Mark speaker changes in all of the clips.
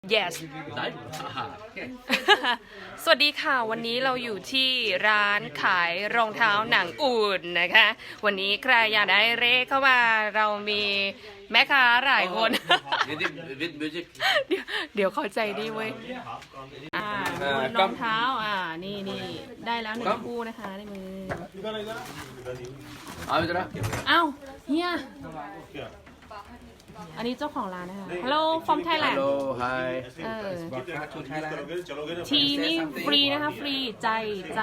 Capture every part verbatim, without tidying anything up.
Speaker 1: yes สวัสดีค่ะวันนี้เราอยู่ที่ร้านขายรองเท้าหนังอุ่นนะคะวันนี้ใครอยากได้เลขเข้ามาเรามีแม่ค้าหลายคน เดี๋ยวเดี๋ยวเข้าใจดีเว้ยอ่ารองเท้าอ่านี่นี่ได้แล้วหนึ่งคู่นะคะในมืออ้าวเฮียอันนี้เจ้าของร้านนะคะ Hello from Thailand
Speaker 2: Hello hi
Speaker 1: เออทีนี่ฟรีนะคะฟรีใจใจ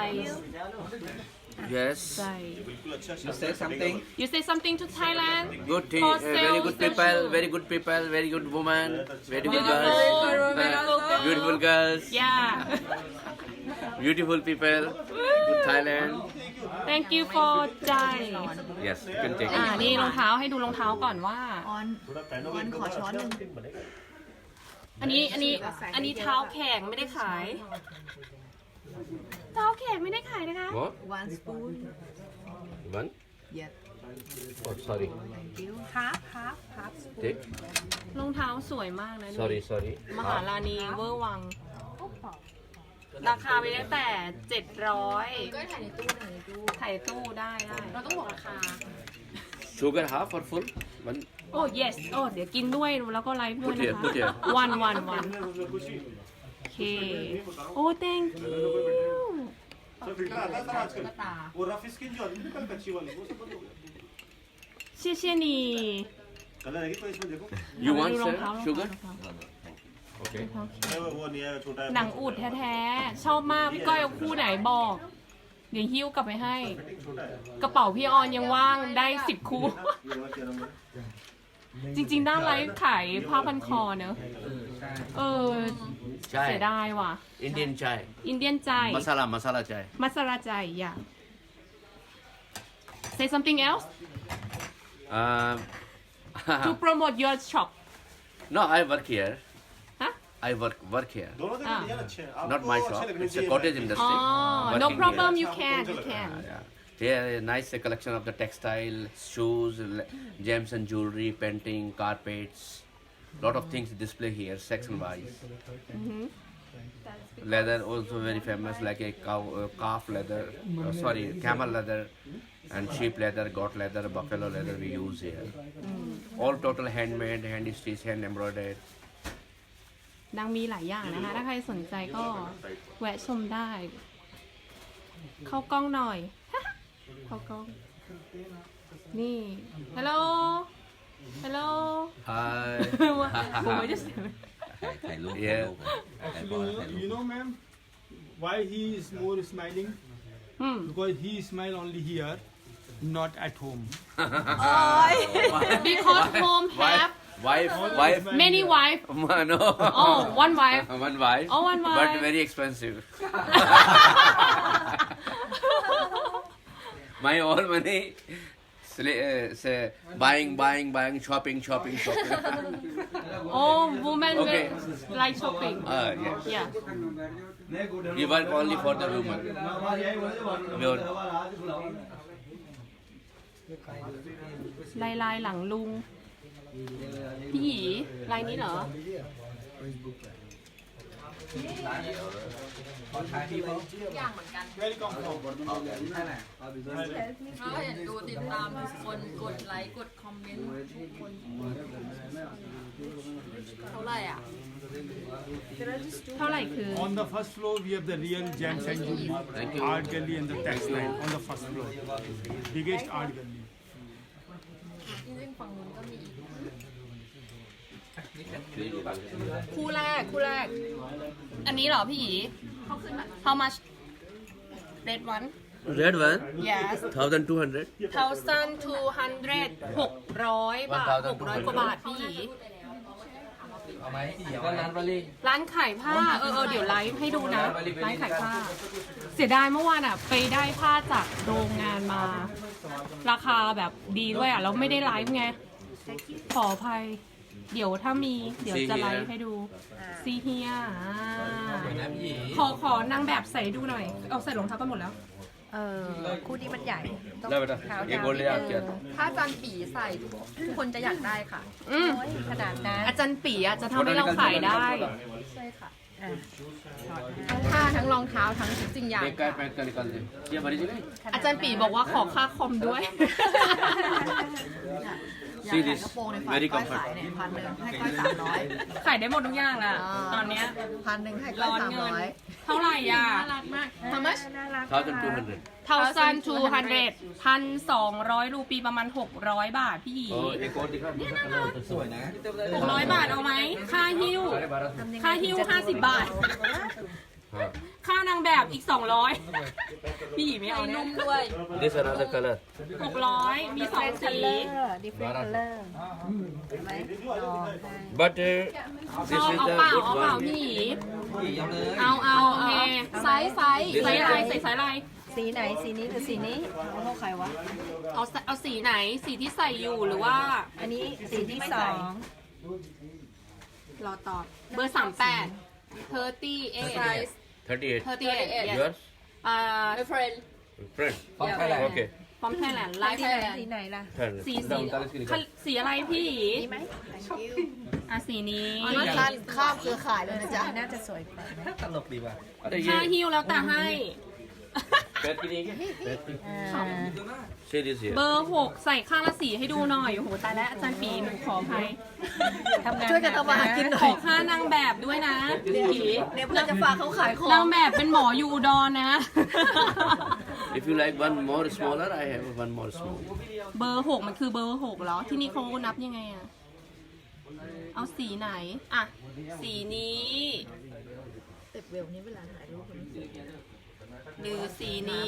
Speaker 2: yes
Speaker 1: ใจ
Speaker 3: You say something?
Speaker 1: You say something to Thailand
Speaker 2: good thing
Speaker 1: For
Speaker 2: uh, very
Speaker 1: sales
Speaker 2: good
Speaker 1: and
Speaker 2: people
Speaker 1: shoes.
Speaker 2: very good people very good woman very good
Speaker 1: Beautiful,
Speaker 2: girls
Speaker 1: beautiful girls.
Speaker 2: beautiful girls
Speaker 1: Yeah
Speaker 2: beautiful people good Thailand
Speaker 1: Thank you for ใจ
Speaker 2: yes you can take
Speaker 1: อ่า
Speaker 2: it
Speaker 1: นี่รองเท้าให้ดูรองเท้าก่อนว่า
Speaker 4: ออนออนขอช้อนหนึ่ง
Speaker 1: อันนี้อันนี้อันนี้เท้าแข็งไม่ได้ขาย เท้าแข็งไม่ได้ขายนะคะ
Speaker 2: what
Speaker 4: one spoon
Speaker 2: one
Speaker 4: yes
Speaker 2: oh sorry
Speaker 4: thank you half half half spoon
Speaker 2: take
Speaker 1: รองเท้าสวยมากนะดู
Speaker 2: sorry sorry
Speaker 1: มหาลานีเวอร์วัง ราคาไปตั้งแต่เจ็ดร้อย
Speaker 4: ก็ถ่ายในตู้ถ่ายในตู้
Speaker 1: ถ่ายตู้ได้ได้
Speaker 4: เราต้องบอกราคา
Speaker 2: sugar half or full one
Speaker 1: โอ้ yes โอ้เดี๋ยวกินด้วยแล้วก็ไลฟ์ด้วย
Speaker 2: Put
Speaker 1: นะ
Speaker 2: here,
Speaker 1: คะ
Speaker 2: put here.
Speaker 1: วันวันวันโอเค โอ้ thank you
Speaker 5: वो rough skin जो आती है कल कच्ची वाली वो सब बंद हो गया
Speaker 1: เชี่ยเชี่ยนี่
Speaker 5: कलर है तो इसमें देखो
Speaker 2: you want
Speaker 1: ดูรอง
Speaker 2: sir
Speaker 1: เท้ารอง
Speaker 2: sugar
Speaker 1: เท้ารองเท้า
Speaker 2: okay
Speaker 5: वो वो नहीं है छोटा है
Speaker 1: หนังอูดแท้ๆ ชอบมาก พี่ก้อยเอาคู่ไหนบอก เดี๋ยวหิ้วกลับไปให้
Speaker 5: छोटा है
Speaker 1: กระเป๋าพี่ออนยังว่างได้สิบคู่
Speaker 5: ये वाला क्या नाम है
Speaker 1: จริงๆ ด้านไลฟ์ขายผ้าพันคอเนอะเออ เสีย
Speaker 2: chai
Speaker 1: ดายว่ะ
Speaker 2: Indian chai
Speaker 1: อินเดียนใจ
Speaker 2: masala masala chai
Speaker 1: มัสลาใจอย่า say something else
Speaker 2: um
Speaker 1: to promote your shop
Speaker 2: no I work here
Speaker 1: ฮะ
Speaker 2: I work work here
Speaker 5: दोनों
Speaker 1: हाँ।
Speaker 5: जगह डिजाइन अच्छे हैं
Speaker 2: not
Speaker 5: आपको
Speaker 2: my
Speaker 5: अच्छे
Speaker 2: shop
Speaker 5: लगने
Speaker 2: it's a
Speaker 5: चाहिए
Speaker 2: cottage
Speaker 1: อ๋อ
Speaker 2: industry
Speaker 1: no
Speaker 2: working
Speaker 1: problem
Speaker 2: here.
Speaker 1: you can you can
Speaker 2: Yeah, yeah. Here, a nice uh, collection of the textile, shoes, le- gems and jewelry, painting, carpets, lot of things display here, section wise. Leather also very famous, like a cow, uh, calf leather, uh, sorry, camel leather, and sheep leather, goat leather, buffalo leather we use here. All total handmade, hand stitched, hand embroidered.
Speaker 1: นางมีหลายอย่างนะคะ ถ้าใครสนใจก็แวะชมได้ เข้ากล้องหน่อย เข้ากล้อง นี่ ฮัลโหล ฮัลโหล
Speaker 2: Hi.
Speaker 1: ผมไม่ได้เสียง
Speaker 2: Yeah.
Speaker 6: You know, ma'am, why he is more smiling?
Speaker 1: อืม
Speaker 6: Because he smile only here, not at home.
Speaker 1: because home have
Speaker 2: Wife, wife,
Speaker 1: many wife
Speaker 2: no.
Speaker 1: oh one wife
Speaker 2: One wife.
Speaker 1: Oh, one
Speaker 2: But
Speaker 1: wife.
Speaker 2: very expensive. My all money, sli- uh, say, buying, buying, buying, shopping, shopping, shopping.
Speaker 1: oh woman
Speaker 2: Okay.
Speaker 1: like shopping
Speaker 2: uh, yes.
Speaker 1: yeah
Speaker 2: We work only for the woman. We are-
Speaker 1: ลายลายหลังลุง พี่หยีลายนี้เหรอ
Speaker 6: Very comfortable.
Speaker 4: เราเห็นดูติดตามคนกดไลค์กดคอมเมนต์ทุกคนเท่าไหร่อ่ะ
Speaker 1: เท่าไหร่คือ
Speaker 6: On the first floor, we have the real gems and jewelry,
Speaker 2: Thank you.
Speaker 6: art gallery and the textile on the first floor. Biggest art gallery.
Speaker 4: ที่ซึ่งฝั่งนู้นก็มีอีก
Speaker 1: คู่แรก คู่แรก อันนี้เหรอพี่หยี how much red one
Speaker 2: Red one,
Speaker 1: yes
Speaker 2: thousand two hundred.
Speaker 1: thousand two hundred หกร้อยบาทหกร้อยกว่าบาทพี่หยีร้านขายผ้า เออเออเดี๋ยวไลฟ์ให้ดูนะ ร้านขายผ้า เสียดายเมื่อวานอ่ะ ไปได้ผ้าจากโรงงานมา ราคาแบบดีด้วยอ่ะ แล้วไม่ได้ไลฟ์ไง ขออภัย เดี๋ยวถ้ามี เดี๋ยวจะไลฟ์ให้ดูซีเฮียขอขอนางแบบใส่ดูหน่อย เอาใส่รองเท้ากันหมดแล้ว
Speaker 7: เออคู่นี้มันใหญ่ต้อง
Speaker 2: เลิกไปเถอะ
Speaker 7: ขาว
Speaker 2: เอ็ก
Speaker 7: ดำ
Speaker 2: โกเลียเกียรติ
Speaker 4: ถ้าอาจารย์ปีใส่ทุกคนจะอยากได้ค่ะ
Speaker 1: อืม
Speaker 7: โอ้ยขนาดนั้น
Speaker 1: อาจารย์ปีอะจะทำให้เราขายได้
Speaker 4: ใช่ค่ะ
Speaker 7: อ่ะ
Speaker 4: ทั้งผ้าทั้งรองเท้าทั้งทุกสิ่งอย่าง
Speaker 2: एक का पैंट का निकाल दे ये भरी जगह
Speaker 1: อาจารย์ปีบอกว่าขอค่าคอมด้วย
Speaker 2: See this very
Speaker 7: ก้อย
Speaker 2: comfort
Speaker 7: ขายเนี่ยพันหนึ่งให้ก้อยสามร้อย
Speaker 1: ขายได้หมดทุกอย่างแหละตอนเนี้ย
Speaker 7: พันหนึ่งให้ก้อ
Speaker 1: ร้
Speaker 7: ย
Speaker 1: อน
Speaker 7: สาม
Speaker 1: เงิน
Speaker 7: ร้อย
Speaker 1: เท่าไหร่อ่ะ
Speaker 4: น่ารักมาก How much
Speaker 7: น่ารัก
Speaker 2: thousand two hundred
Speaker 1: เท่าซันทูฮันเดพันสองร้อยรูปีประมาณหกร้อยบาทพี่หยี
Speaker 2: और एक और दिखा दूसरा कलर
Speaker 3: สวยนะ
Speaker 1: หกร้อยบาทเอาไหม ค่าหิ้ว
Speaker 2: साढ़े बारह सौ
Speaker 1: ค่าหิ้วห้าสิบบาท
Speaker 2: हाँ
Speaker 1: ค่านางแบบอีกสองร้อยพี่หยีไม่เอาเนี่ย
Speaker 4: นุ่มด้วย
Speaker 2: this another color
Speaker 1: หกร้อยมีสองสี
Speaker 7: ดิฟเฟนต์คัลเลอร์เห็นไหมลองได้
Speaker 2: but uh,
Speaker 1: ช
Speaker 2: this
Speaker 1: อบ
Speaker 2: is
Speaker 1: เอา
Speaker 2: the
Speaker 1: เปล่า
Speaker 2: good
Speaker 1: เอาเปล่า
Speaker 2: one
Speaker 1: พี่หยี
Speaker 3: พี่เอาเลย
Speaker 1: เอาเอาโอเค
Speaker 4: ไซส์ไซส์
Speaker 1: ใส่อะไรใส่สายอะไร
Speaker 7: สีไหนสีนี้หรือสีนี้เอาเข้าใครวะ
Speaker 1: เอาเอาสีไหนสีที่ใส่อยู่หรือว่า
Speaker 7: อันนี้สีที่สอง
Speaker 1: รอตอบเบอร์สามแปดเทอร์ตี้เอ
Speaker 4: size
Speaker 2: thirty-eight
Speaker 1: เทอร์ตี้เอ
Speaker 2: yours
Speaker 1: อ่า
Speaker 4: my friend
Speaker 2: friend
Speaker 3: ฟ้องใครแหละ
Speaker 2: okay
Speaker 1: พร้อมไทยแลนด์ไล
Speaker 7: สี
Speaker 1: ฟ์
Speaker 7: ไหนสีไหนล่ะ
Speaker 2: Third.
Speaker 1: สีสี
Speaker 2: उनतालीस की निकाल
Speaker 1: สีอะไรพี่
Speaker 7: นี่ไหม
Speaker 1: อ่ะสีนี้
Speaker 7: นี่ข้ามข้ามเครือข่ายเลยนะจ๊ะน่าจะสวยกว่าไหม
Speaker 3: ตลกดีว่ะ
Speaker 2: अरे
Speaker 1: ค่า
Speaker 2: ये
Speaker 1: หิ้วแล้วแต่ให้
Speaker 2: पैर की नहीं है पैर की
Speaker 7: อ่า
Speaker 2: see this here
Speaker 1: เบอร์หกใส่ข้างละสีให้ดูหน่อยโอ้โหตายแล้วอาจารย์ปีหนูขออภัย
Speaker 7: ทำงานช่วยกันทำมาหากินหน่
Speaker 1: ข
Speaker 7: อ
Speaker 1: อย ค่านางแบบด้วยนะพี่
Speaker 7: เดี๋ยวเพื่อนจะฝากเขาขายของ
Speaker 1: นางแบบเป็นหมออยู่อุดรนะ
Speaker 2: if you like one more smaller I have one more small
Speaker 1: เบอร์หกมันคือเบอร์หกเหรอ ที่นี่เขานับยังไงอะเอาสีไหน อ่ะ สีนี้
Speaker 7: เต็บเวลนี้เวลาถ่ายรูปมัน
Speaker 1: หรือสีนี้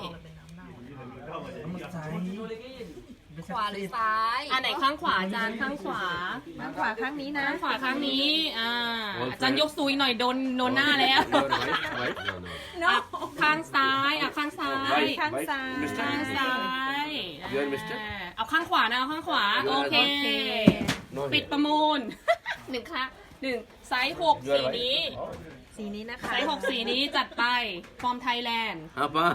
Speaker 4: ขวาหรือซ้าย
Speaker 1: อันไหนข้างขวาอาจารย์ข้างขวา
Speaker 7: ข้างขวาข้างนี้นะ
Speaker 1: ข้างขวาข้างนี้ อ่า อาจารย์ยกซุยหน่อยโดนโดนหน้าแล้ว
Speaker 2: your wife wife no no
Speaker 1: อ่ะข้างซ้าย อ่ะข้างซ้าย
Speaker 2: wife
Speaker 7: ข้าง
Speaker 2: wife
Speaker 7: ซ้าย
Speaker 2: mister
Speaker 1: ข้างซ้าย
Speaker 2: You are mister?
Speaker 1: อ่าเอาข้างขวานะ เอาข้างขวา โอเค
Speaker 2: no
Speaker 1: ปิด
Speaker 2: here
Speaker 1: ประมูล หนึ่งค่ะหนึ่งไซส์หก
Speaker 2: You are
Speaker 1: สี
Speaker 2: wife
Speaker 1: นี้
Speaker 7: สีนี้นะคะ
Speaker 1: ไซส์หกสีนี้จัดไป ฟอร์มไทยแลนด์
Speaker 2: apa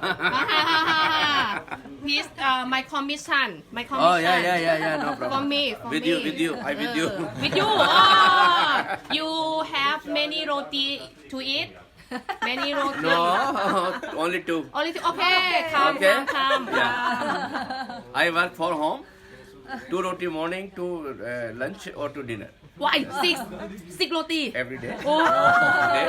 Speaker 1: Please uh, my commission my
Speaker 2: oh
Speaker 1: commission
Speaker 2: yeah yeah yeah yeah no problem
Speaker 1: for me for
Speaker 2: with
Speaker 1: me
Speaker 2: you with you I with you
Speaker 1: Uh, with you oh, you have many roti to eat many roti
Speaker 2: no only two
Speaker 1: only two okay come
Speaker 2: Okay.
Speaker 1: come come
Speaker 2: Yeah.
Speaker 1: come
Speaker 2: I work for home two roti morning to uh, lunch or to dinner
Speaker 1: why six six roti
Speaker 2: every day
Speaker 1: oh
Speaker 2: okay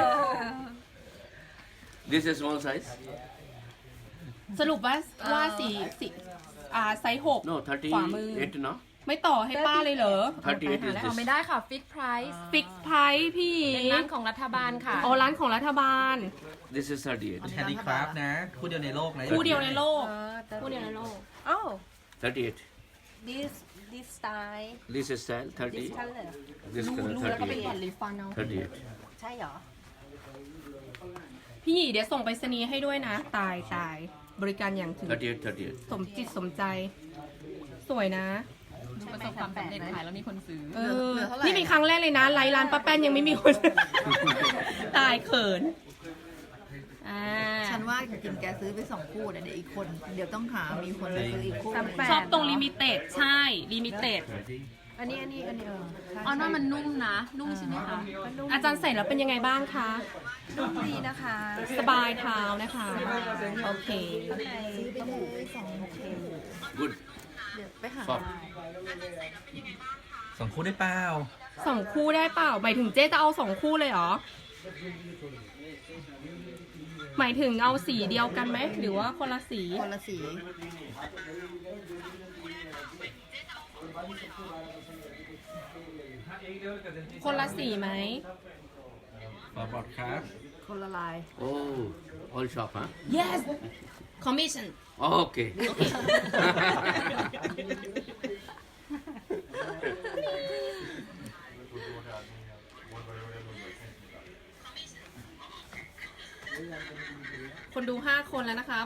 Speaker 2: this is small size
Speaker 1: สรุปว่าว่าสีสีอ่าไซส์หก
Speaker 2: no
Speaker 1: ขวามือ
Speaker 2: thirty-eight no
Speaker 1: ไม่ต่อให้ป้าเลยเหรอ
Speaker 2: thirty-eight is
Speaker 4: เอา
Speaker 2: this
Speaker 4: ไม่ได้ค่ะ ฟิกไพรซ์
Speaker 1: ฟิกไพรส์พี่
Speaker 4: เป็นร้านของรัฐบาลค่ะ
Speaker 1: อ๋อร้านของรัฐบาล
Speaker 2: this is thirty-eight
Speaker 3: แฮนดี้คราฟต์นะ คู่เดียวในโลกนะ
Speaker 1: คู่เดียวในโลก
Speaker 7: เออแต่
Speaker 1: คู่เดียวในโลก
Speaker 7: โอ้
Speaker 2: thirty-eight
Speaker 7: this this style
Speaker 2: this is style
Speaker 7: this
Speaker 2: thirty
Speaker 7: color
Speaker 2: this
Speaker 1: รู้
Speaker 2: color
Speaker 1: รู้แล้วก็ไปตัด
Speaker 2: thirty-eight
Speaker 1: ริฟันเอา
Speaker 2: thirty-eight
Speaker 7: ใช่เหรอ
Speaker 1: พี่หยีเดี๋ยวส่งไปรษณีย์ให้ด้วยนะ ตายตายบริการอย่างถึง
Speaker 2: thirty-eight thirty-eight
Speaker 1: สมจิตสมใจ สวยนะ
Speaker 4: ดูประสบความสำเร็จขายแล้วมีคนซื้อ
Speaker 1: เออ นี่เป็นครั้งแรกเลยนะไลฟ์ร้านป้าแป้นยังไม่มีคน ตายเขินอ่า
Speaker 8: ฉันว่าจริงๆแกซื้อไปสองคู่เนี่ยเดี๋ยวอีกคน เดี๋ยวต้องหามีคนมาซื้ออีกคู่
Speaker 7: สามแปด
Speaker 1: ชอบตรงลิมิเต็ดใช่ ลิมิเต็ด
Speaker 7: อันนี้อันนี้อันนี้เออใช่
Speaker 4: ออนว่ามันนุ่มนะ นุ่มใช่ไหมคะ
Speaker 1: อาจารย์ใส่แล้วเป็นยังไงบ้างคะ
Speaker 7: นุ่มดีนะคะ
Speaker 1: สบายเท้านะคะ โอเค
Speaker 8: ซื้อไปเลยสองคู่
Speaker 2: good
Speaker 8: เดี๋ยวไปหา
Speaker 2: soft
Speaker 3: สองคู่ได้เปล่า
Speaker 1: สองคู่ได้เปล่า หมายถึงเจ๊จะเอาสองคู่เลยเหรอ หมายถึงเอาสีเดียวกันไหม หรือว่าคนละสี
Speaker 8: คนละสี
Speaker 1: คนละสีไหม
Speaker 3: ขอบอดครับ
Speaker 7: คนละลาย
Speaker 2: oh all shop huh
Speaker 1: yes commission
Speaker 2: okay
Speaker 1: คนดูห้าคนแล้วนะครับ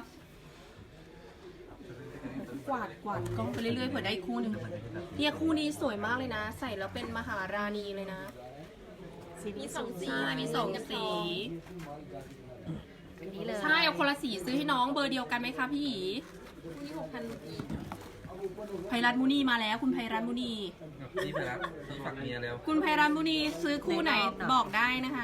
Speaker 1: กวาดกวาดกล้องไปเรื่อยๆเผื่อได้อีกคู่หนึ่งเนี่ยคู่นี้สวยมากเลยนะ ใส่แล้วเป็นมหาราณีเลยนะ
Speaker 7: สี
Speaker 1: มีสองสี มีสองสี
Speaker 7: อันนี้เลย
Speaker 1: ใช่เอาคนละสีซื้อให้น้องเบอร์เดียวกันไหมคะพี่หยี
Speaker 4: นี่หกพันอีก
Speaker 1: ไพรัตน์มุนีมาแล้วคุณไพรัตน์มุนี
Speaker 3: นี่ไปรับซื้อฝากเมียแล้ว
Speaker 1: คุณไพรัตน์มุนีซื้อคู่ไหนบอกได้นะคะ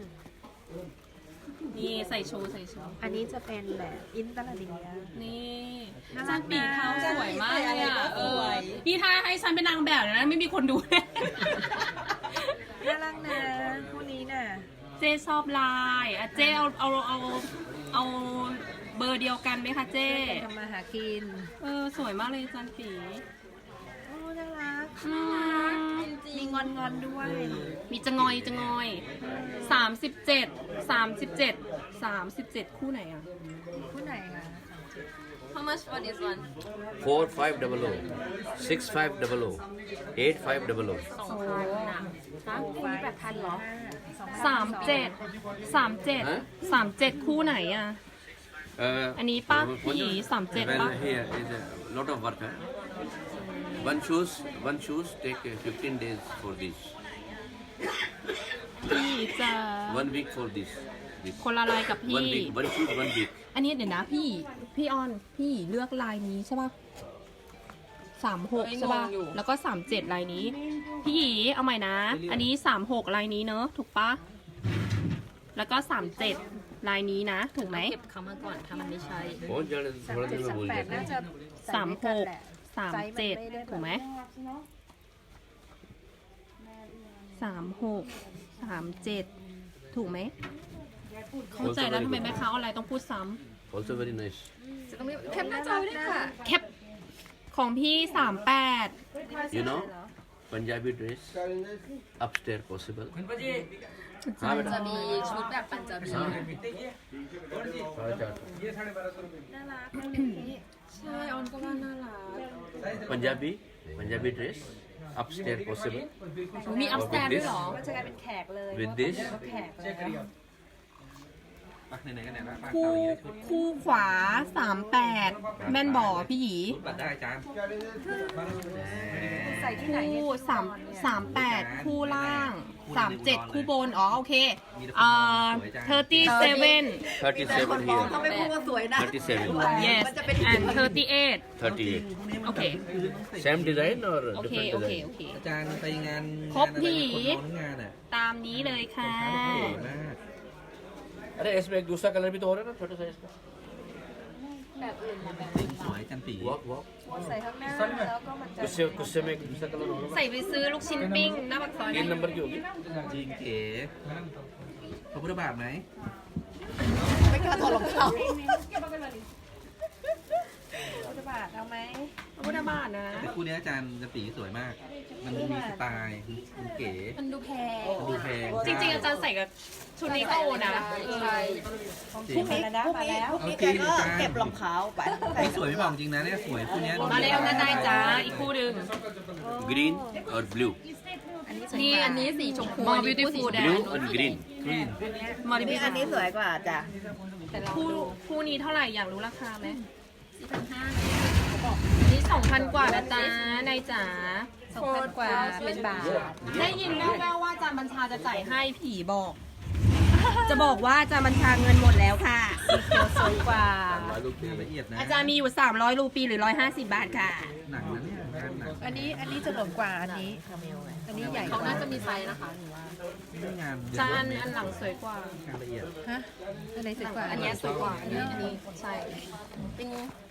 Speaker 1: นี่ใส่โชว์ใส่โชว์
Speaker 7: อันนี้จะเป็นแบบอินเตอร์เลีย
Speaker 1: นี่
Speaker 7: น่ารั
Speaker 1: จั
Speaker 7: ก
Speaker 1: นปีเท้า
Speaker 7: นะ
Speaker 1: สวยมากเลยอ่ะ
Speaker 7: ใส่อะไรก็
Speaker 1: เอ
Speaker 7: ส
Speaker 1: อ
Speaker 7: วย
Speaker 1: นี่ถ้าให้ฉันเป็นนางแบบเนี่ยนะไม่มีคนดูแน่
Speaker 7: น่ารักนะคู่นี้น่ะ
Speaker 1: เจ๊ชอบลายอ่ะเจ๊เอาเอาเอาเอาเบอร์เดียวกันไหมคะเจ๊
Speaker 7: ช่วยกันทำมาหากิน
Speaker 1: เออสวยมากเลยจันปี
Speaker 7: โอ้น่ารัก
Speaker 1: อืม
Speaker 7: มีงอนงอนๆด้วย
Speaker 1: มีจะงอยจะงอยสามสิบเจ็ดสามสิบเจ็ดสามสิบเจ็ดคู่ไหนอ่ะ
Speaker 7: คู่ไหนคะ
Speaker 4: How much for this one
Speaker 2: four five double o, six five double o, eight five double o.
Speaker 4: สองพันนะ
Speaker 1: ฮะ
Speaker 7: คู่นี้แบบพันเหรอ
Speaker 1: สามเจ็ดสามเจ็ด
Speaker 2: ฮะ
Speaker 1: สามเจ็ดคู่ไหนอ่ะ
Speaker 2: Uh,
Speaker 1: อันนี้ป้าพี่หยีสามเจ็ด
Speaker 2: well,
Speaker 1: ป้า
Speaker 2: here is a lot of work. Huh? One shoes, one shoes take uh, fifteen days for this.
Speaker 1: พี่จะ
Speaker 2: One week for this. This.
Speaker 1: คนละลายกับ
Speaker 2: One
Speaker 1: พี่
Speaker 2: week, one shoes, one week.
Speaker 1: อันนี้เดี๋ยวนะพี่พี่ออนพี่เลือกลายนี้ใช่ป่ะสามหกใช่ป่ะแล้วก็สามเจ็ดลายนี้ พี่หยีเอาใหม่นะ อันนี้สามหกลายนี้เนอะถูกปะแล้วก็สามเจ็ดลายนี้นะ ถูกไหม
Speaker 4: เก็บคำมาก่อนถ้ามันไม่ใช่
Speaker 2: बहुत जल्द
Speaker 7: สาม
Speaker 2: थोड़ा
Speaker 7: เจ็ด
Speaker 2: दिन में
Speaker 7: สาม
Speaker 2: भूल
Speaker 7: แปด
Speaker 2: जाते
Speaker 7: น่า
Speaker 2: हैं
Speaker 7: จะ
Speaker 1: สามหก
Speaker 7: ใส่ด้วยกันแหละ
Speaker 1: สาม
Speaker 7: ไซส์น
Speaker 1: เจ็ด
Speaker 7: ไได้แบบ
Speaker 1: ถูกไหมสามหกสามเจ็ดถูกไหมเข้าใจแล้วทำไมแม่ค้าออนไลน์ต้องพูดซ้
Speaker 2: also very nice
Speaker 4: จะต้องมีแคปหน้าจอไว้ด้วยค่ะ
Speaker 1: ำแคปของพี่สามแปด
Speaker 2: you know Punjabi dress upstairs possible
Speaker 3: คุณป้าจี
Speaker 2: हाँ
Speaker 4: จะ
Speaker 2: बेटा
Speaker 4: มีชุดแบบปัญจบี
Speaker 2: हाँ साढ़े चार सौ
Speaker 7: น่ารักคู่นี้
Speaker 1: ใช่ออนก็ว่าน่ารัก
Speaker 2: Punjabi Punjabi dress upstairs possible
Speaker 1: มีอัพสแตนด้วยเหรอ
Speaker 7: มันจะกลายเป็นแขกเลย
Speaker 2: with this
Speaker 7: แขกเลย
Speaker 3: ปักไหนๆกันเนี่ยนะปัก
Speaker 1: คู่
Speaker 3: เกาหลีได้ชุด
Speaker 1: คู่ขวาสามแปดแม่นบ่อพี่หยี
Speaker 3: ปัดได้จาน
Speaker 7: ใส่ที่ไหนเนี่ย
Speaker 1: คู่สามสามแปดคู่ล่างสามเจ็ดคู่บน อ๋อโอเคอ่า thirty-seven
Speaker 2: thirty-seven here
Speaker 7: เขาไม่พูดว่าสวยนะ
Speaker 2: thirty-seven
Speaker 1: yes
Speaker 7: มันจะเป็น
Speaker 1: and thirty-eight
Speaker 2: thirty-eight
Speaker 1: โอเค
Speaker 2: same design or
Speaker 1: โอเค
Speaker 2: different
Speaker 1: โอเค
Speaker 2: design
Speaker 1: โอเค
Speaker 3: อาจารย์ไปงาน
Speaker 1: ครบพี่
Speaker 3: งานอะไรคนน้องงานอ่ะ
Speaker 1: ตามนี้เลยค่ะ
Speaker 3: เก๋มาก
Speaker 2: अरे इसमें एक दूसरा कलर भी तो हो रहा है ना छोटा साइज का
Speaker 3: สีสวยจันปี
Speaker 2: वॉक वॉक
Speaker 7: ใส่ข้างหน้าแล้วก็มันจะ
Speaker 2: गुस्से गुस्से में एक दूसरा कलर होगा
Speaker 1: ใส่ไปซื้อลูกชิ้นปิ้งหน้าปากซอย
Speaker 2: तीन नंबर की होगी
Speaker 3: จริงเก๋พระพุทธบาทไหม
Speaker 7: ไม่กล้าถอดรองเท้าพุทธบาทเอาไหม
Speaker 1: พระพุทธบาทนะ
Speaker 3: แต่คู่เนี้ยอาจารย์จันปีสวยมาก มันมีสไตล์มันเก๋
Speaker 4: มันดูแพง
Speaker 3: มันดูแพง
Speaker 1: จริงๆอาจารย์ใส่กับชุดนี้ก็โอนะ
Speaker 4: ใช่
Speaker 3: จริ
Speaker 7: พรุ่
Speaker 3: ง
Speaker 7: งนี้พรุ่งนี้พรุ่งนี้แกก็เก็บรองเท้าไป
Speaker 3: นี่สวยไม่บอกจริงนะเนี่ยสวยคู่เนี้ย
Speaker 1: มาแล้วนะนายจ้าอีกคู่หนึ่ง
Speaker 2: ग्रीन और ब्लू
Speaker 1: นี่อันนี้สีชมพู more beautiful
Speaker 2: ब्लू और ग्रीन
Speaker 3: กรีน
Speaker 1: more
Speaker 7: นี่
Speaker 1: beautiful
Speaker 7: อันนี้สวยกว่าจ้ะ
Speaker 1: คู่คู่นี้เท่าไหร่อยากรู้ราคาไหม
Speaker 4: สี่พันห้า
Speaker 1: นี่สองพันกว่านะจ๊ะนายจ๋า
Speaker 7: สองพันกว่าเป็นบาท
Speaker 1: ได้ยินแว่วๆว่าอาจารย์บัญชาจะจ่ายให้ผีบอก จะบอกว่าอาจารย์บัญชาเงินหมดแล้วค่ะ
Speaker 7: สีเขียวสวยกว่า
Speaker 3: ลูกละเอียดนะ
Speaker 1: อาจารย์มีอยู่สามร้อยรูปีหรือหนึ่งร้อยห้าสิบบาทค่ะ
Speaker 3: หนังนะเนี่ยงานหนัง
Speaker 7: อันนี้อันนี้จะหลวมกว่าอันนี้ อันนี้ใหญ่ก
Speaker 4: เขา
Speaker 7: ว่า
Speaker 4: น่าจะมีไซส์นะคะ
Speaker 3: ไม่งาน
Speaker 1: จานอันหลังสวยกว่า
Speaker 3: งานละเอียด
Speaker 7: ฮะอันไหนสวยกว่า
Speaker 1: อันเนี้ยสวยกว่า อันนี้อันนี้ใช่
Speaker 4: เป็น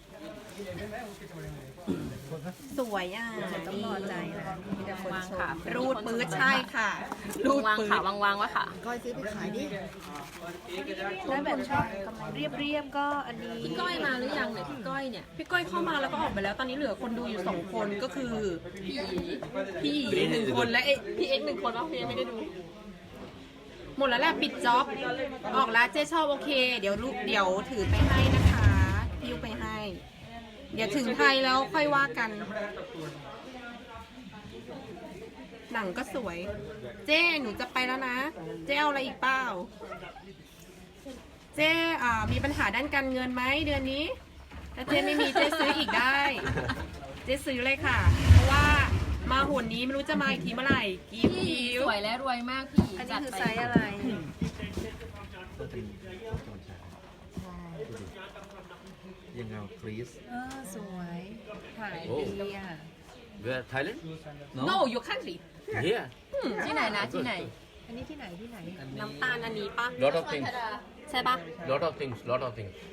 Speaker 1: สวยอ่ะ
Speaker 7: ต้องรอใจนะมีแต่คน
Speaker 4: วาง
Speaker 7: ชม
Speaker 4: ขา
Speaker 1: รูดปื้ดใช่ค่ะ รูด
Speaker 4: วาง
Speaker 1: ปื้
Speaker 4: ขา
Speaker 1: ด
Speaker 4: วางวางไว้ค่ะ
Speaker 7: ก้อยซื้อไปขายดิถ้าแบบชอบเรียบเรียบๆก็อันนี้
Speaker 4: พี่ก้อยมาหรือยังเนี่ยพี่ก้อยเนี่ย
Speaker 1: พี่ก้อยเข้ามาแล้วก็ออกไปแล้ว ตอนนี้เหลือคนดูอยู่สองคนก็คือ
Speaker 4: พี่
Speaker 1: พี่หนึ่งคนและเอ๊ะพี่เอ็กซ์หนึ่งคนว่าพี่เอ็กซ์ไม่ได้ดู หมดแล้วแหละปิดจ็อบ ออกแล้วเจ๊ชอบโอเค เดี๋ยวลูกเดี๋ยวถือไปให้นะคะพิ้วไปให้ เดี๋ยวถึงไทยแล้วค่อยว่ากัน หนังก็สวย เจ๊หนูจะไปแล้วนะ เจ๊เอาอะไรอีกเปล่า เจ๊อ่ามีปัญหาด้านการเงินไหมเดือนนี้ ถ้าเจ๊ไม่มีเจ๊ซื้ออีกได้ เจ๊ซื้อเลยค่ะ เพราะว่ามาหนนี้ไม่รู้จะมาอีกทีเมื่อไหร่กิ๊บ
Speaker 4: พี่
Speaker 1: กิ๊ว
Speaker 4: สวยและรวยมากพี่
Speaker 7: อันนี้
Speaker 4: จัด
Speaker 7: คือ
Speaker 4: ไป
Speaker 7: ไซส์อะไร
Speaker 3: ฟรีส
Speaker 7: เออสวยถ่ายดีอ่ะ
Speaker 2: Where Thailand?
Speaker 1: No your country
Speaker 2: Here.
Speaker 8: ที่ไหนนะที่ไหน
Speaker 7: อันนี้ที่ไหนที่ไหน
Speaker 1: น้ำตาลอันนี้ปะ
Speaker 2: Lot of things.
Speaker 1: ใช่ปะ
Speaker 2: Lot of things. Lot of things.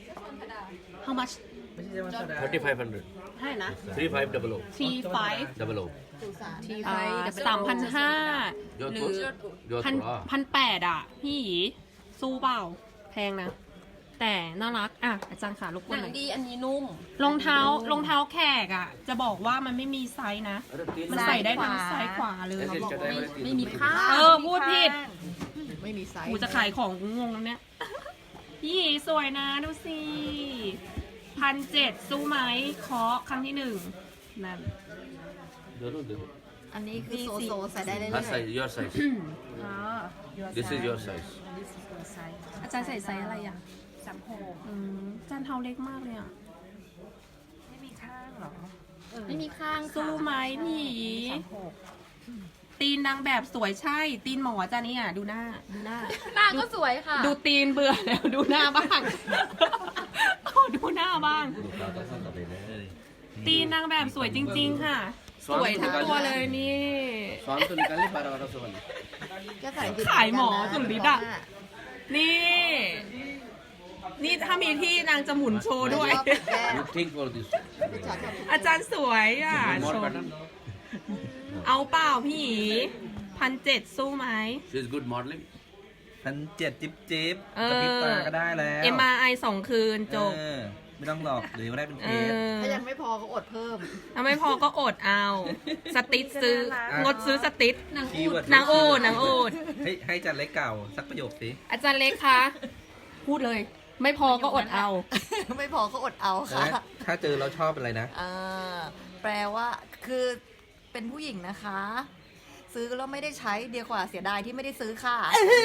Speaker 1: How much
Speaker 3: ไม่ใช่ว่าชาดา
Speaker 2: Thirty-five hundred.
Speaker 1: เท่าไหร่นะ
Speaker 2: Three five double O.
Speaker 1: T five
Speaker 2: Double O.
Speaker 7: ทีไฟ
Speaker 1: สามพันห้า
Speaker 2: Your
Speaker 1: หรือ
Speaker 2: thoughts? Your
Speaker 1: พัน
Speaker 2: thoughts.
Speaker 1: พันแปดอ่ะ พี่หยีสู้เปล่า แพงนะ แต่น่ารัก อ่ะ อาจารย์ขารบกวนหน่อย
Speaker 4: ดีอันนี้นุ่ม
Speaker 1: รองเท้ารองเท้าแขกอ่ะ จะบอกว่ามันไม่มีไซส์นะ มันใส่ได้ทั้งซ้ายขวาเลย
Speaker 2: ऐसे चटाई वाले तीन
Speaker 4: ไม่มี
Speaker 2: रुपए।
Speaker 4: ค่า
Speaker 1: เออ พูดผิด
Speaker 8: ไม่มีไซส์
Speaker 1: กูจะขายของกูงงแล้วเนี่ย พี่หยีสวยนะดูสิพันเจ็ดสู้ไหมเคาะครั้งที่หนึ่งนั่น
Speaker 2: दोनों देखो।
Speaker 8: อันนี้คือโซโซใส่ได้เรื่
Speaker 2: हाँ
Speaker 8: อย
Speaker 2: size. Your size.
Speaker 7: อ๋อ
Speaker 2: This is your size.
Speaker 7: This is your size
Speaker 1: อาจารย์ใส่ไซส์อะไรอ่ะ
Speaker 7: สามหก
Speaker 1: อืมอาจารย์เท้าเล็กมากเลยอ่ะ
Speaker 7: ไม่มีข้างเหรอเออ
Speaker 4: ไม่มีข้าง
Speaker 1: สู้ไหมพี่หยี
Speaker 7: สามหก
Speaker 1: ตีนนางแบบสวยใช่ ตีนหมอจ้าเนี่ยดูหน้า ดูหน้า
Speaker 4: หน้าก็สวยค่ะ
Speaker 1: ดูตีนเบื่อแล้วดูหน้าบ้าง ขอดูหน้าบ้าง ตีนนางแบบสวยจริง ๆ ค่ะ สวยทั้งตัวเลยนี่
Speaker 2: स्वान तो निकाल ले बारह बारह सौ वाली.
Speaker 8: ๆก็ใส่ผิด
Speaker 1: ขายหมอสุดฤทธิ์อะ นี่ นี่ถ้ามีที่นางจะหมุนโชว์ด้วย
Speaker 2: You think for this?
Speaker 1: อาจารย์สวยอ่ะ
Speaker 2: More
Speaker 1: ชม
Speaker 2: pattern.
Speaker 1: เอาเปล่าพี่หยีพันเจ็ดสู้ไหม
Speaker 2: She is good modeling.
Speaker 3: พันเจ็ดจิ๊บจิ๊บ
Speaker 1: เออก
Speaker 3: ระพริบตาก็ได้แล้ว
Speaker 1: เอ็ม อาร์ ไอ สองคืนจบ
Speaker 3: เออไม่ต้องหลอกหรือว่าได้เป็น
Speaker 1: เอ
Speaker 3: เทส
Speaker 1: อ
Speaker 8: ถ้ายังไม่พอก็อดเพิ่ม
Speaker 1: ถ้าไม่พอก็อดเอา สติ๊ดซื้อ งดซื้อสติ๊ด
Speaker 4: นาง
Speaker 3: คี
Speaker 4: อู
Speaker 3: ย์เวิ
Speaker 4: ด
Speaker 3: ร์ด
Speaker 1: นางอูดนางอูด
Speaker 3: ให้ให้จันเล็กเก่าสักประโยคสิ
Speaker 1: อาจารย์เล็กคะ พูดเลย ไม่พอก็อดเอา
Speaker 8: ไม่พอก็อดเอาค่ะ
Speaker 3: แล้วถ้าเจอเราชอบอะไรนะ
Speaker 8: อ่าแปลว่าคือเป็นผู้หญิงนะคะ ซื้อแล้วไม่ได้ใช้เดียวกว่าเสียดายที่ไม่ได้ซื้อค่ะ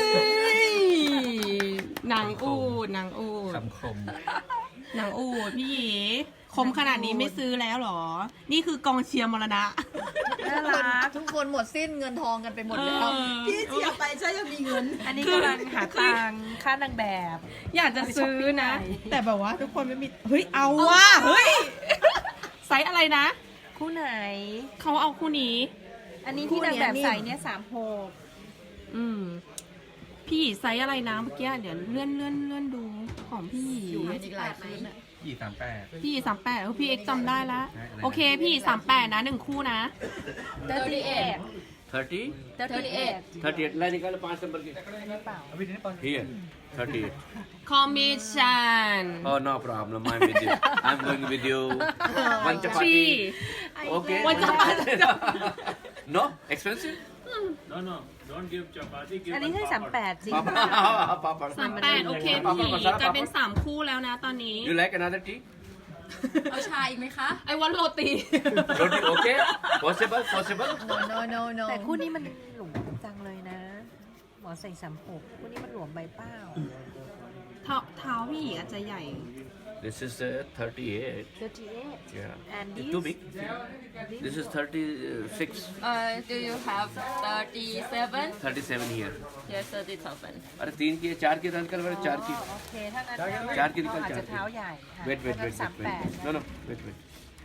Speaker 1: นางอูดนางอูด
Speaker 3: คำคม
Speaker 1: นางอูดพี่หยีคมขนาดนี้ไม่ซื้อแล้วเหรอ นี่คือกองเชียร์มรณะ
Speaker 8: ทุกคนทุกคนหมดสิ้นเงินทองกันไปหมดแล้ว
Speaker 1: เออ
Speaker 8: พี่เสียไปใช่ยังมีเงิน
Speaker 7: อันนี้กำลังหาตังค์ค่านางแบบ
Speaker 1: อยากจะซื้อนะ แต่แบบว่าทุกคนไม่มี เฮ้ย เอาว่ะ เฮ้ย ไซส์อะไรนะ
Speaker 7: คู่ไหน
Speaker 1: เขาเอาคู่นี้
Speaker 7: อันนี้ที่นางแบบใส่เนี่ยสามหก
Speaker 1: อืม พี่ไซส์อะไรนะเมื่อกี้เดี๋ยวเลื่อนเลื่อนเลื่อนดูของพี่
Speaker 8: อยู่กันอีกหลายคืนน่ะ
Speaker 3: ยี่สามแปด
Speaker 1: พี่สามแปดพี่เอ็กซ์จำได้แล้ว โอเค พี่สามแปดนะหนึ่งคู่นะ
Speaker 7: เตอร์ตี้เอ็ด
Speaker 2: Thirty.
Speaker 7: เตอร์ตี้เอ็ด
Speaker 2: Thirty-eight. ला निकालो पाँच नंबर की.
Speaker 7: เปล่า
Speaker 2: Here. Thirty-eight.
Speaker 1: คอมมิชชั่น
Speaker 2: Oh no problem. I'm with you. I'm going with you. One
Speaker 1: ทรี
Speaker 2: chapati. Okay.
Speaker 1: One chapati.
Speaker 2: No expensive.
Speaker 6: No, no, don't give chapati. Give
Speaker 7: อันนี้
Speaker 6: one
Speaker 7: ให้สามแป
Speaker 6: papad.
Speaker 7: ดจริง
Speaker 2: Papa. Papa.
Speaker 1: สามแปดโอเค
Speaker 2: Papa
Speaker 1: พี่
Speaker 2: masala
Speaker 1: กลายเป็น
Speaker 2: papa.
Speaker 1: สามคู่แล้วนะตอนนี้
Speaker 2: You like another tea?
Speaker 4: เอาชาอีกไหมคะ
Speaker 1: ไอวันโรตี
Speaker 2: Roti. Okay. Possible. Possible.
Speaker 8: no no no no
Speaker 7: แต่คู่นี้มันหลวมจังเลยนะ หมอใส่สามหกคู่นี้มันหลวมใบเป้า
Speaker 1: เท้าเท้าพี่อาจจะใหญ่
Speaker 2: This is uh, thirty-eight.
Speaker 7: เตอร์ตี้เอ็ด
Speaker 2: Yeah.
Speaker 7: and
Speaker 2: It's
Speaker 7: this
Speaker 2: too big. This is thirty-six.
Speaker 4: เอ่อ do you have thirty-seven
Speaker 2: thirty-seven here.
Speaker 4: yes thirty-seven
Speaker 2: अरे तीन की है, चार की निकल वाले चार की.
Speaker 7: โอเคถ้างั้น
Speaker 2: चार की
Speaker 7: เรา
Speaker 2: निकल
Speaker 7: อาจ
Speaker 2: चार
Speaker 7: จะเท้า
Speaker 2: की.
Speaker 7: ใหญ่ค่ะ
Speaker 2: Wait wait
Speaker 7: ถ้างั้
Speaker 2: wait
Speaker 7: นสาม
Speaker 2: wait
Speaker 7: แปด
Speaker 2: wait. No no wait wait.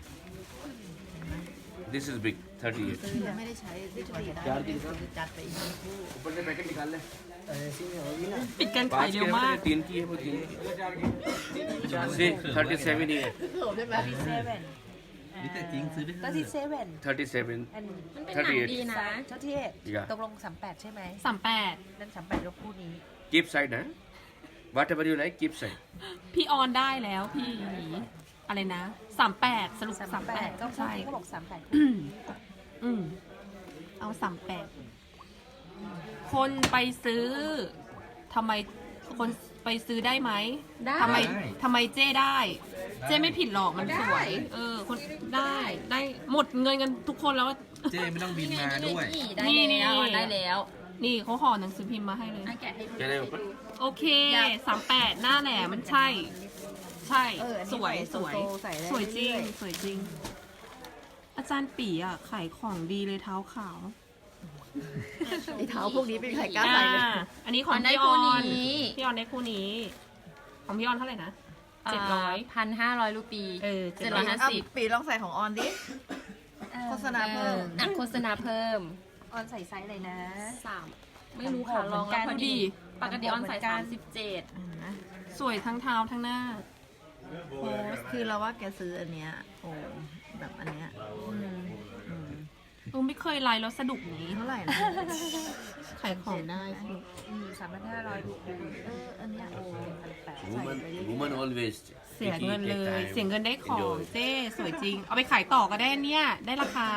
Speaker 2: This is big. thirty-eight.
Speaker 8: ซื้อแล้วไม่ได้ใช้ที่เฉลี่ยได้จัดไปอีกคู่
Speaker 2: ऊपर से पैकेट निकाल ले.
Speaker 1: ปิดการขาย
Speaker 2: पाँच
Speaker 1: เร็
Speaker 2: के
Speaker 1: วมาก
Speaker 2: है, तीन की है वो तीन की. See thirty-seven ही है.
Speaker 8: เขิมได้ไหม
Speaker 7: เซเว่น
Speaker 3: นี่แต่จริงซื้อได้
Speaker 7: ก็ที่เซเว่น
Speaker 2: thirty-seven.
Speaker 7: อัน
Speaker 4: มันเป็นหนังดีนะ
Speaker 7: เจ้าที่เอ็ด
Speaker 2: Yeah.
Speaker 7: ตกลงสามแปดใช่ไหม
Speaker 1: สามแปด
Speaker 7: นั่นสามแปดยกคู่นี้
Speaker 2: Keep side, huh? Whatever you like, keep side.
Speaker 1: พี่ออนได้แล้วพี่อะไรนะสามแปดสรุป
Speaker 7: สาม
Speaker 1: สาม
Speaker 7: แป
Speaker 1: แป
Speaker 7: ด
Speaker 1: ด
Speaker 7: ก็
Speaker 1: ใช่
Speaker 7: ก็บอกสามแปด
Speaker 1: อืมเอาสามแปดคนไปซื้อทำไมคนไปซื้อได้ไหม
Speaker 4: ได้
Speaker 1: ทำไมทำไมเจ้ได้ เจ้ไม่ผิดหรอกมันสวย เออ คนได้ได้หมดเงินกันทุกคนแล้ว
Speaker 3: เจไม่ต้องบินมาด้วย
Speaker 4: ได้
Speaker 1: นี่นี่
Speaker 4: แล้วได้แล้ว
Speaker 1: นี่เขาห่อหนังสือพิมพ์มาให้เลย
Speaker 4: อ่ะแกะให้ดู
Speaker 2: Can I open?
Speaker 1: โอเคสามแปดหน้าแหลมมันใช่ ใช่
Speaker 8: เอออันนี้
Speaker 1: สวย
Speaker 8: ใส่
Speaker 1: สวย
Speaker 8: โซโซใส่ได้
Speaker 1: สวยจริง
Speaker 8: เรื่อยๆ
Speaker 1: สวยจริง อาจารย์ปีอ่ะขายของดีเลยเท้าขาว
Speaker 8: ไอ้เท้าพวกนี้เป็นใครกล้าใส่เลย
Speaker 1: อ่าอันนี้ของ
Speaker 4: ได้
Speaker 1: พี่อ
Speaker 4: คู่
Speaker 1: อน
Speaker 4: นี้
Speaker 1: พี่ออนได้คู่นี้ ของพี่ออนเท่าไหร่นะเจ็ดร้อย
Speaker 4: พันห้าร้อยรูปี
Speaker 1: เออ
Speaker 4: เจ็ดร้อยห้าสิบ
Speaker 8: ปีลองใส่ของออนดิ โฆษณาเพิ่ม
Speaker 4: อ่ะโฆษณาเพิ่ม
Speaker 7: ออนใส่ไซส์เลยนะ
Speaker 4: สามไม่รู้ค่ะลองแล้วพอดี ปกติออนใส่สามสิบเจ็ด
Speaker 1: สวยทั้งเท้าทั้งหน้า
Speaker 8: โพสต์คือเราว่าแกซื้ออันเนี้ยโอ้แบบอันเนี้ยอืมอืม
Speaker 1: ตูไม่เคยไลน์แล้วสะดุกอย่างนี้
Speaker 8: เท่าไหร่นะ
Speaker 1: ขายของได้
Speaker 7: สามพันห้าร้อยรูปี
Speaker 8: เอออันเนี้ยโอ้พันแปด
Speaker 2: Woman, woman always
Speaker 1: เสียเงิน
Speaker 2: take
Speaker 1: เลย
Speaker 2: time,
Speaker 1: เสียเงินได้ของ
Speaker 2: enjoy.
Speaker 1: เจ้สวยจริง เอาไปขายต่อก็ได้เนี่ย ได้ราคา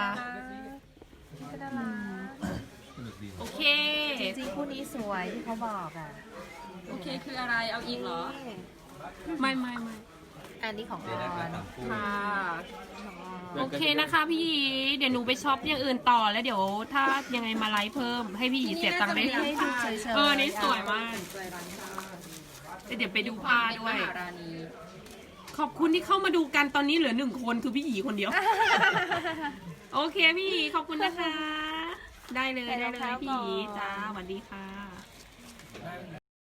Speaker 1: โอเค
Speaker 7: จริงๆคู่นี้สวยที่เขาบอกอ่ะ
Speaker 4: โอเคคืออะไรเอาอีกเหรอ
Speaker 1: ไม่ไม่ไม่
Speaker 7: อันนี้ของอ
Speaker 3: เดี๋ยวได้
Speaker 7: อ
Speaker 3: มาน สามคู่
Speaker 1: ค่ะ โอเคนะคะพี่หยีเดี๋ยวหนูไปช็อปอย่างอื่นต่อแล้วเดี๋ยวถ้ายังไงมาไลฟ์เพิ่มให้พี่หยีเสียตังค์ได้
Speaker 7: ให้ดูเฉยๆ
Speaker 1: เออนี่สวยมาก
Speaker 4: ใจร้านค่ะ
Speaker 1: เดี๋ยวไปดูผ้าด้วย
Speaker 4: มหาราณี
Speaker 1: ขอบคุณที่เข้ามาดูกันตอนนี้เหลือหนึ่งคนคือพี่หยีคนเดียว โอเคพี่หยีขอบคุณนะคะ ได้เลยได้เลยพี่หยีจ้าสวัสดีค่ะ